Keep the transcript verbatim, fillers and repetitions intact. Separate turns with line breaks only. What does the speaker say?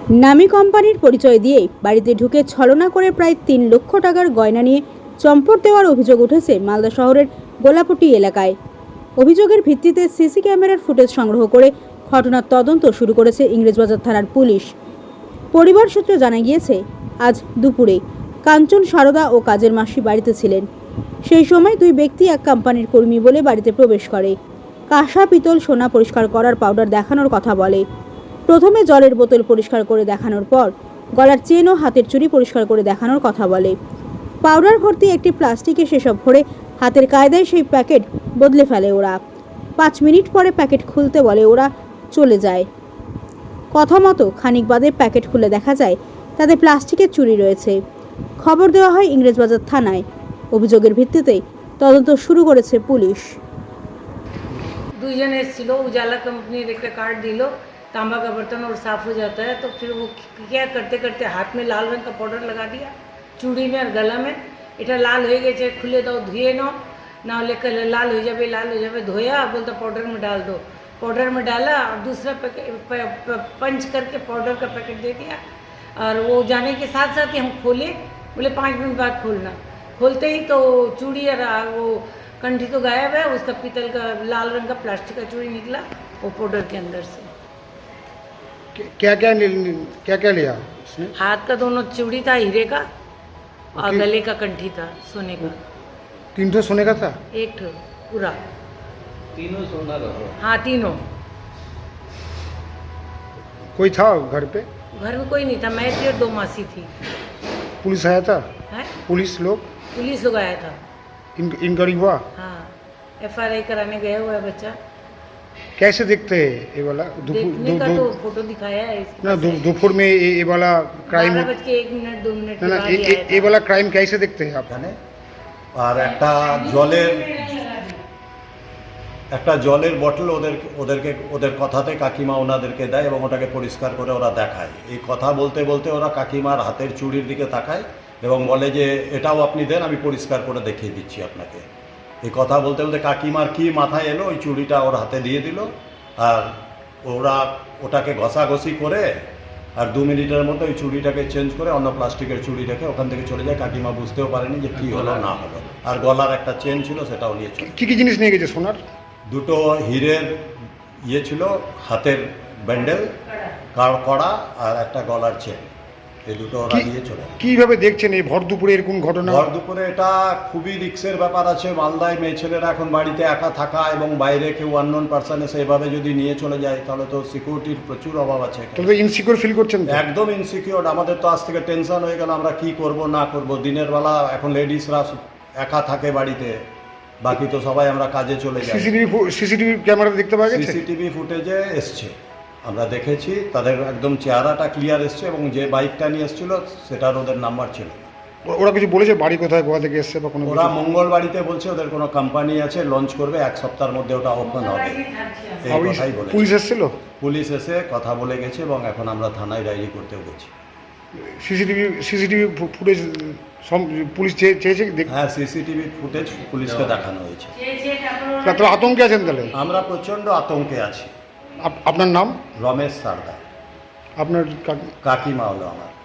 নামী কোম্পানির পরিচয় দিয়েই বাড়িতে ঢুকে ছলনা করে প্রায় তিন লক্ষ টাকার গয়না নিয়ে চম্পট দেওয়ার অভিযোগ উঠেছে মালদা শহরের গোলাপট্টি এলাকায়। অভিযোগের ভিত্তিতে সিসি ক্যামেরার ফুটেজ সংগ্রহ করে ঘটনার তদন্ত শুরু করেছে ইংরেজবাজার থানার পুলিশ। পরিবার সূত্রে জানা গিয়েছে, আজ দুপুরে কাঞ্চন সারদা ও কাজের মাসি বাড়িতে ছিলেন। সেই সময় দুই ব্যক্তি এক কোম্পানির কর্মী বলে বাড়িতে প্রবেশ করে কাঁসা, পিতল, সোনা পরিষ্কার করার পাউডার দেখানোর কথা বলে। প্রথমে জলের বোতল পরিষ্কার করে দেখানোর পর গলার চেন ও হাতের চুড়ি পরিষ্কার করে দেখানোর কথা বলে। পাউডার ভর্তি একটি প্লাস্টিকে সেসব ভরে হাতের কায়দায় সেই প্যাকেট বদলে ফেলে ওরা। পাঁচ মিনিট পরে প্যাকেট খুলতে বলে, ওরা চলে যায়। কথা মতো খানিক বাদে প্যাকেট খুলে দেখা যায় তাতে প্লাস্টিকের চুড়ি রয়েছে। খবর দেওয়া হয় ইংরেজবাজার থানায়। অভিযোগের ভিত্তিতে তদন্ত শুরু করেছে পুলিশ।
দুইজন এসেছিল, उजाला कंपनीर एक कार्ड दिलो, तांबा का बर्तन और साफ हो जाता है। तो फिर वो क्या करते करते हाथ में लाल रंग का पाउडर लगा दिया, चूड़ी में और गला में। এটা লাল হয়ে গেছে, খুলে দাও, ধুয়ে নাও, ना लेकर लाल हो जाए लाल हो जाए धोया, बोलता पाउडर में डाल दो। पाउडर में डाला और दूसरा पैकेट पंच करके पाउडर का पैकेट दे दिया। और वो जाने के साथ साथ ही हम खोले, बोले पाँच मिनट बाद खोलना। खोलते ही तो चूड़ी और वो कंठी तो गायब है, उसका पीतल का लाल रंग का प्लास्टिक का चूड़ी निकला वो पाउडर के अंदर से।
क्या क्या क्या क्या लिया उसने?
हाथ का दोनों चूड़ी था हीरे का और गले का कंठी था सोने का।
तीन ठो सोने का था?
एक ठो पूरा,
तीनों सोना रहा।
हाँ तीनों।
कोई था घर पे?
घर में कोई नहीं था, मैं थी और दो मासी थी।
पुलिस आया था?
है?
पुलिस लोग
पुलिस लोग आया था।
इन इंक्वायरी हुआ?
हाँ, एफ आई आर कराने गया हुआ है बच्चा।
कैसे देखते हैं ये वाला?
देखने का तो फोटो दिखाया है इसके
ना दोपहर में ये ये वाला क्राइम,
बारह बज के एक मिनट दो मिनट
ना ना ये ये वाला क्राइम कैसे देखते हैं आप?
আর একটা জলের একটা জলের বটল ওদের ওদেরকে ওদের কথাতে কাকিমা ওনাদেরকে দেয় এবং ওটাকে পরিষ্কার করে ওরা দেখায়। এই কথা বলতে বলতে ওরা কাকিমার হাতের চুড়ির দিকে তাকায় এবং বলে যে এটাও আপনি দেন, আমি পরিষ্কার করে দেখিয়ে দিচ্ছি আপনাকে। এই কথা বলতে বলতে কাকিমার কি মাথায় এলো, ওই চুড়িটা ওর হাতে দিয়ে দিল। আর ওরা ওটাকে ঘষাঘষি করে আর দু মিনিটের মধ্যে ওই চুড়িটাকে চেঞ্জ করে অন্য প্লাস্টিকের চুড়িটাকে ওখান থেকে চলে যায়। কাকিমা বুঝতেও পারেনি যে কি হলো না হলো। আর গলার একটা চেন ছিল, সেটাও নিয়ে চলে।
কি কি জিনিস নিয়ে গেছে সোনার?
দুটো হীরের ইয়ে ছিল, হাতের ব্যান্ডেল, কড়া আর একটা গলার চেন, এই দুটো ওরা নিয়ে চলে।
কিভাবে দেখছেন এই ভর দুপুরে এরকম ঘটনা?
ভর দুপুরে এটা খুবই রিস্কের ব্যাপার আছে। মালদায় মেয়ে ছেলেরা এখন বাড়িতে একা থাকা এবং বাইরে কেউ আননোন পারসন এসে এভাবে যদি নিয়ে চলে যায় তাহলে তো সিকিউরিটির প্রচুর অভাব আছে।
তাহলে ইনসিকিউর ফিল করছেন?
একদম ইনসিকিউর। আমাদের তো আজ থেকে টেনশন হয়ে গেল, আমরা কি করব না করব। দিনের বেলা এখন লেডিসরা একা থাকে বাড়িতে, বাকি তো সবাই আমরা কাজে চলে যাই।
সিসিটিভি সিসিটিভি ক্যামেরা দেখতে পাওয়া গেছে?
সিসিটিভি ফুটেজে এসছে, আমরা দেখেছি, তাদের একদম চেহারাটা ক্লিয়ার এসছে এবং যে বাইকটা নিয়ে এসেছিল সেটার ওদের নাম্বার ছিল।
ওরা কিছু বলেছে বাড়ি কোথায়, গোয়া থেকে এসছে বা কোনো?
ওরা মঙ্গল বাড়িতে বলছে ওদের কোনো কোম্পানি আছে, লঞ্চ করবে, এক সপ্তাহের মধ্যে ওটা ওপেন হবে, এই কথাই বলে।
পুলিশ এসেছিল?
পুলিশ এসে কথা বলে গেছে এবং এখন আমরা থানায় ডায়েরি করতেও গেছি।
সিসিটিভি সিসিটিভি ফুটেজ পুলিশ চেয়েছে?
হ্যাঁ, সিসিটিভি ফুটেজ পুলিশকে দেখানো হয়েছে।
তো আতঙ্কে আছেন তাহলে?
আমরা প্রচণ্ড আতঙ্কে আছি।
আপনার নাম?
রমেশ সারদা।
আপনার
কাকিমা হলো আমার।